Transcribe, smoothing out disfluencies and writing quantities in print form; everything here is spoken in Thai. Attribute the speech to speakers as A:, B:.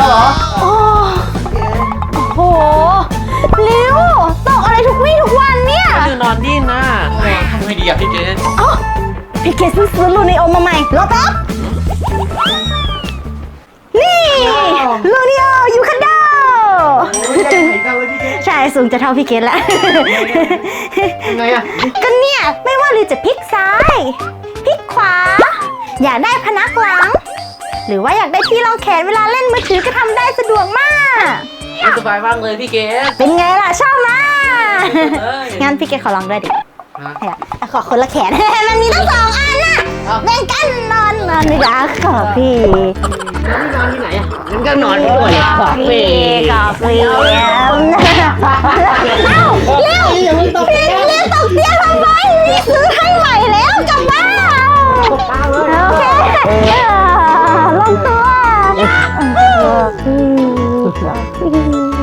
A: แล้วเหรอ
B: โอ้โหลิวตกอะไรทุกวี่ทุกวันเนี่ย
A: คือนอนดิ้นนะทำไงดีอะพี่เกด
B: อ๋อพี่เกดซื้อลูนิโอมาใหม่รอแป๊บนี่ลูนิโอยูคันโดใช่สูงจะเท่าพี่เกดแล้ว
A: ยังไงอะ
B: ก็เนี่ยไม่ว่าลิวจะพลิกซ้ายพลิกขวาอยากได้พนักหลังหรือว่าอยากได้ที่รองแขนเวลาเล่นมือถือก็ทำได้สะดวกมาก
A: สบายมากเลยพี่เกด
B: เป็นไงล่ะชอบไหม
A: เอ้ย
B: งั้นพี่เกดขอลองด้วยดิ
A: ฮะ
B: ขอคนละแขน มันมีตั้ง2 อันน่ะ
A: เอ้า
B: แบ่งกันนอนดีกว่าขอพี่
A: แล้วนี่นอนที่ไหนอะงั้นก็นอนที่ตัวเลยขอบพี่
B: ขอพี่เอ้าเร็วเร็วตกเตียงทำไมนี่ซื้อให้ใหม่แล้วกลับบ้านโอเคลงตัว